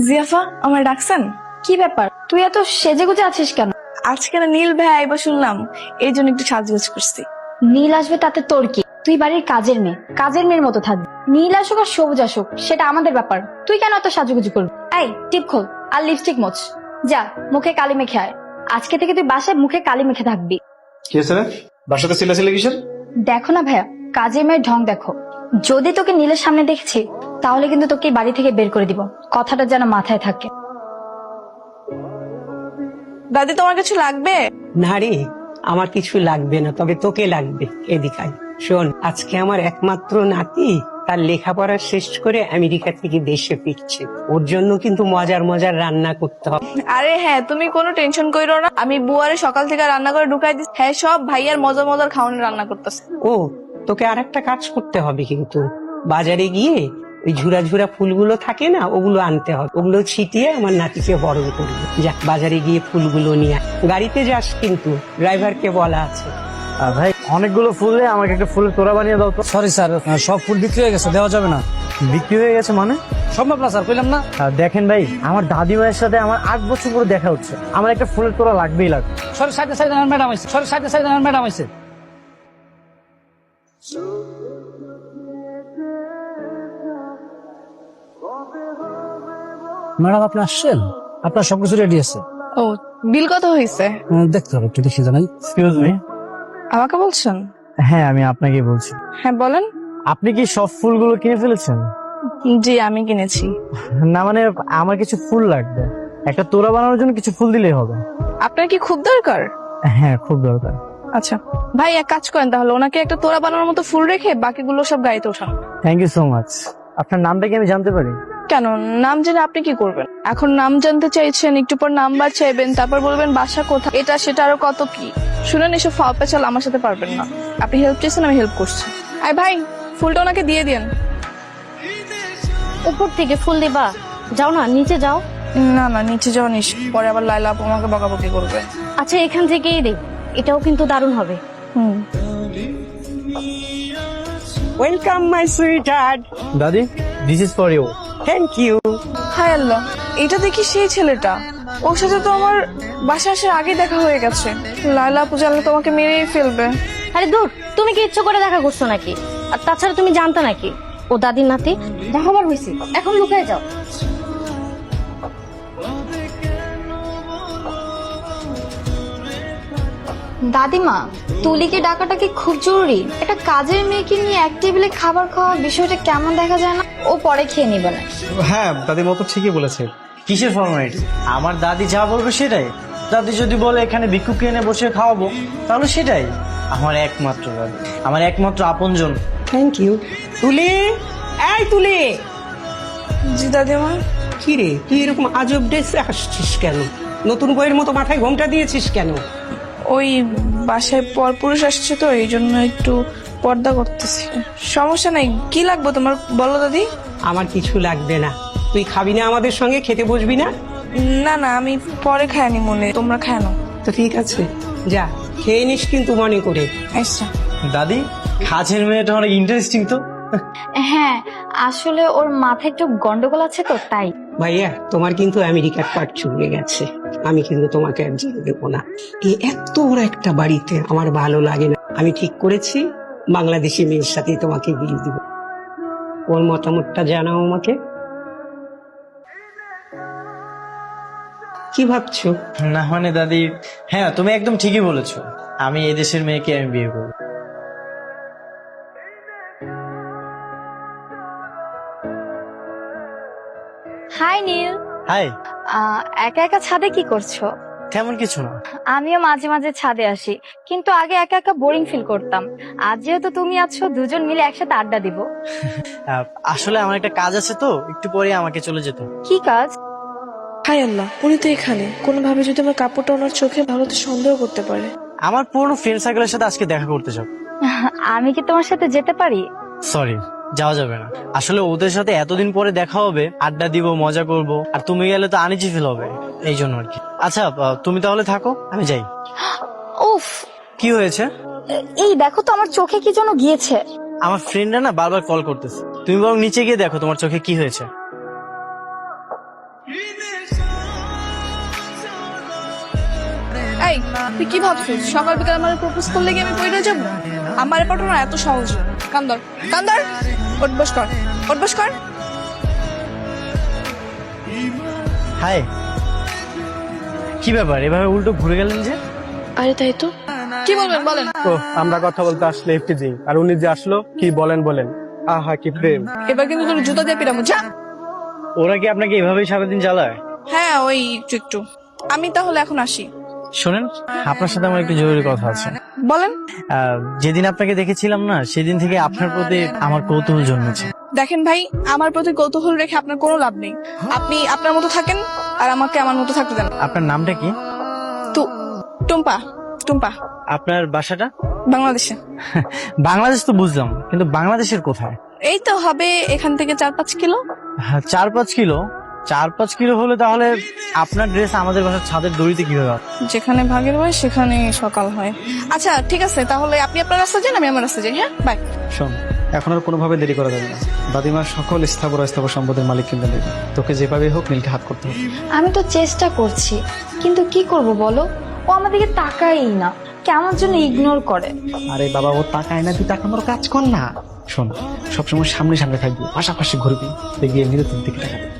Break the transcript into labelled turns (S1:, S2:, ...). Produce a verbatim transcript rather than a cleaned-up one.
S1: জিয়াফা, আমার ডাকছেন?
S2: কি ব্যাপার, তুই এত সেজে গুজে আছিস কেন?
S1: আজকে না নীল ভাই আইবা শুনলাম, এই জন্য একটু সাজগোজ করছি।
S2: নীল আসবে তাতে তোর কি? তুই বাড়ির কাজের মেয়ে, কাজের মেয়ের মতো থাকবি। নীল আসুক আর সবুজ আসুক সেটা আমাদের ব্যাপার, তুই কেন এত সাজুগুজু করবি? এই টিপ খোল আর লিপস্টিক মোচ, যা মুখে কালি মেখে আয়। আজকে থেকে তুই বাসায় মুখে কালি মেখে থাকবি।
S3: কি হয়েছে রে? বাসাতে চিল্লাচিল্লি কিসের?
S2: দেখো না ভাইয়া, কাজের মেয়ের ঢং দেখো। যদি তোকে নীলের সামনে দেখছি তাহলে কিন্তু তোকে এই বাড়ি থেকে বের করে দিব, কথাটা যেন মাথায় থাকে।
S1: দাদি, তোমার কিছু লাগবে?
S4: না রে, আমার কিছু লাগবে না, তবে তোকে লাগবে। এদিকায় শোন, আজকে আমার একমাত্র নাতি তার লেখাপড়া শেষ করে আমেরিকা থেকে দেশে ফিরছে। ওর জন্য কিন্তু মজার মজার রান্না করতে হবে।
S1: আরে হ্যাঁ, তুমি কোনো টেনশন কইরো না, আমি বুয়ারে সকাল থেকে রান্না করে ঢুকাই দিচ্ছি। হ্যাঁ, সব ভাইয়ার মজার মজার খাওয়ানোর রান্না করতেছে।
S4: ও, তোকে আর একটা কাজ করতে হবে, কিন্তু বাজারে গিয়ে ওই ঝুরা ঝুরা ফুলগুলো থাকে না, ওগুলো আনতে হবে। ওগুলো ছিটিয়ে আমার নাতিকে বরণ করবে। যা, বাজারে গিয়ে ফুলগুলো নিয়ে আয়। গাড়িতে যাস কিন্তু, ড্রাইভারকে বলা আছে।
S5: ভাই অনেকগুলো ফুল দিয়ে আমাকে একটা ফুলের তোড়া বানিয়ে দাও তো।
S6: সরি স্যার, সব ফুল বিক্রি হয়ে গেছে, দেওয়া যাবে না।
S5: বিক্রি হয়ে গেছে মানে?
S6: সম্ভব না স্যার, কইলাম না।
S5: আহ, দেখেন ভাই, আমার দাদিমায়ের সাথে আমার আট বছর পরে দেখা হচ্ছে, আমার একটা ফুলের তোড়া লাগবেই লাগবে।
S6: সরি, সাইডে সাইডে ম্যাডাম আইছে, সরি সাইডে সাইডে ম্যাডাম আইছে। ম্যাডাম আপনি আসছেন, আপনার সবকিছু রেডি আছে।
S1: ও, বিল কত হয়েছে?
S6: উম, দেখতে হবে, একটু দেখি জানাই।
S5: Excuse me.
S1: আমাকে বলছেন?
S5: হ্যাঁ, আমি আপনাকে বলছি।
S1: হ্যাঁ বলেন।
S5: আপনি কি সব ফুলগুলো কিনে ফেলেছেন?
S1: জি, আমি কিনেছি।
S5: না মানে, আমার কিছু ফুল লাগবে, একটা তোড়া বানানোর জন্য কিছু ফুল দিলেই হবে।
S1: আপনার কি খুব দরকার?
S5: হ্যাঁ, খুব দরকার।
S1: আচ্ছা ভাই, এক কাজ করেন তাহলে, ওনাকে একটা তোড়া বানানোর মতো ফুল রেখে বাকিগুলো সব গাড়িতে ওঠান।
S5: Thank you so much. আপনার নামটা কি আমি জানতে পারি?
S1: কেন, নাম জেনে আপনি কি করবেন? এখন নাম জানতে চাইছেন, একটু পর নাম্বার চাইবেন, তারপর বলবেন বাসা কোথায়, এটা সেটা আরো কত কি। শুনেন, এসব ফাও পেঁচাল আমার সাথে পারবেন না। আপনি হেল্প চাইছেন, আমি হেল্প করছি। আয় ভাই, ফুলটা ওনাকে দিয়ে দিন।
S2: উপর থেকে ফুল দিবা? যাও না, নিচে যাও।
S1: না না, নিচে যাওয়া নিস, পরে আবার লাইলা আপু আমাকে বকাবকি করবে।
S2: আচ্ছা, এখান থেকেই দে, এটাও কিন্তু দারুণ হবে।
S1: হুম।
S4: Welcome my sweetheart.
S5: দাদি, this is for you.
S4: Thank you.
S1: হায় আল্লাহ, এটা দেখি সেই ছেলেটা। ওর সাথে তো আমার বাসা আসার আগে দেখা হয়ে গেছে। লাইলা আপু জানলে তোমাকে মেরেই ফেলবে।
S2: আরে দূর, তুমি কি ইচ্ছে করে দেখা করছো নাকি? আর তাছাড়া তুমি জানতা নাকি ও দাদির নাতি? যা হবার হয়েছে, এখন লুকিয়ে যাও। দাদিমা, তুলিকে ডাকাটা কি খুব জরুরি? একটা কাজের মেয়েকে নিয়ে এক টেবিলে খাবার খাওয়া বিষয়টা কেমন দেখা যায় না? ও পরে খেয়ে নিবে না।
S3: হ্যাঁ, দাদির মতো ঠিকই বলেছে।
S5: কিসের ফর্মালিটি? আমার দাদি যা বলবে সেটাই। দাদি যদি বলে এখানে ভিক্ষুক এনে বসে খাওয়াবো, তাহলে সেটাই। আমার একমাত্র দাদি, আমার একমাত্র আপনজন।
S4: Thank you. তুলি, এই তুলি।
S1: জি দাদিমা।
S4: কি রে, তুই এরকম আজব ড্রেসে আসছিস কেন? নতুন বইয়ের মতো মাথায় ঘোমটা দিয়েছিস কেন?
S1: ওই বাসায় পরপুরুষ আসছে তো, এই জন্য একটু পর্দা করতেছি। সমস্যা নাই, কি লাগবে তোমার বলো দাদি।
S4: আমার কিছু লাগবে না। তুই খাবি না আমাদের সঙ্গে? খেতে বসবি না?
S1: না না, আমি পরে খাইনি, মনে তোমরা খায় না।
S4: তো ঠিক আছে, যা খেয়ে নিস কিন্তু মনে করে।
S1: আচ্ছা।
S5: দাদি, কাজের মেয়েটা অনেক ইন্টারেস্টিং তো।
S2: হ্যাঁ, আসলে ওর মাথায় একটু গন্ডগোল আছে তো, তাই।
S4: ভাইয়া, তোমার কিন্তু আমেরিকার পাট চুকে গেছে। আমি কিন্তু তোমাকে আর যেতে দেবো না। এই এত বড় একটা বাড়িতে আমার ভালো লাগে না। আমি ঠিক করেছি, বাংলাদেশি মেয়ের সাথে তোমাকে বিয়ে দিব। ওর মতামতটা জানাও আমাকে। কি ভাবছো?
S5: না মানে দাদি, হ্যাঁ তুমি একদম ঠিকই বলেছো, আমি এই দেশের মেয়েকে আমি বিয়ে করবো।
S2: হাই নীল।
S5: হাই।
S2: আহ, একা একা ছাদে কি করছো?
S5: তেমন কিছু না।
S2: আমিও মাঝে মাঝে ছাদে আসি, কিন্তু আগে একা একা বোরিং ফিল করতাম। আজ যেহেতু তুমি আছো, দুজন মিলে একসাথে আড্ডা দিব।
S5: আহ, আসলে আমার একটা কাজ আছে তো, একটু পরে আমাকে চলে যেতে হবে।
S2: কি কাজ?
S1: হায় আল্লাহ, উনি তো এখানে। কোনোভাবে যদি আমার কাপড়টা ওনার চোখে ভালো তো সন্দেহ করতে পারে।
S5: আমার পুরনো ফ্রেন্ড সার্কেলের সাথে আজকে দেখা করতে যাব।
S2: আমি কি তোমার সাথে যেতে পারি?
S5: সরি, যাওয়া যাবে না। আসলে ওদের সাথে এতদিন পরে দেখা হবে, আড্ডা দিব, মজা করব, আর তুমি গেলে তো আনিজি ফিল হবে, এই জন্য আর কি। আচ্ছা, আহ, তুমি তাহলে থাকো, আমি যাই।
S2: উফ,
S5: কি হয়েছে?
S2: এই দেখো তো, আমার চোখে কি যেন গিয়েছে।
S5: আমার ফ্রেন্ডরা না বারবার কল করতেছে, তুমি বরং নিচে গিয়ে দেখো তোমার চোখে কি হয়েছে।
S1: এই তুই কি ভাবছিস সকাল বিকাল আমার প্রপোজ করলে কি আমি পড়ে যাবো? আমার পাঠানো এত সহজ না। কান্দর কান্দর ওঠ বস কর ওঠ বস কর।
S5: হাই, কি ব্যাপার এভাবে উল্টো ঘুরে গেলেন যে?
S1: আরে তাই তো, কি বলবেন বলেন।
S7: ও আমরা কথা বলতে আসলে এফটিজিং, আর উনি যে আসলো কি বলেন বলেন। আহা কি প্রেম।
S1: এবার কিন্তু তোর জুতা দিয়ে পিরামো যা।
S5: ওরা কি আপনাকে এভাবেই সারাদিন চালায়?
S1: হ্যাঁ ওই একটু একটু। আমি তাহলে এখন আসি।
S5: শোনেন, আপনার সাথে আমার একটু জরুরি কথা আছে।
S1: বলেন।
S5: আহ, যেদিন আপনাকে দেখেছিলাম না, সেদিন থেকে আপনার প্রতি আমার কৌতূহল জন্মেছে।
S1: দেখেন ভাই, আমার প্রতি কৌতূহল রেখে আপনার কোনো লাভ নেই। আপনি আপনার মতো থাকেন আর আমাকে আমার মতো থাকতে দেন।
S5: আপনার নামটা কি?
S1: তু টুম্পা টুম্পা।
S5: আপনার বাসাটা?
S1: বাংলাদেশে।
S5: বাংলাদেশ তো বুঝলাম, কিন্তু বাংলাদেশের কোথায়?
S1: এই তো হবে এখান থেকে চার পাঁচ কিলো।
S5: হ্যাঁ, চার পাঁচ কিলো চার পাঁচ কিলো হলে তাহলে আপনার ড্রেস আমাদের বাসার ছাদের দড়িতে কিভাবে হবে?
S1: যেখানে ভাগের হয় সেখানে সকাল হয়। আচ্ছা ঠিক আছে, তাহলে আপনি আপনার রাস্তা যান, আমি আমার রাস্তা যাই। হ্যাঁ বাই।
S3: শোন, এখন আর কোনোভাবে দেরি করা যাবে না। দাদিমার সকল স্থাবর অস্থাবর সম্পদের মালিক কিনতে দেবে। তোকে যেভাবে হোক নীলকে হাত করতে হবে।
S2: আমি তো চেষ্টা করছি, কিন্তু কি করব বলো, ও আমাদেরকে তাকাই না, কেমন জন্য ইগনোর করে।
S3: আরে বাবা, ও তাকায় না, তুই তাকানোর কাজ কর না। শোন, সবসময় সামনে সামনে থাকবি, পাশাপাশি ঘুরবি, দেখবি এমনিতে তোর দিকে তাকাবে।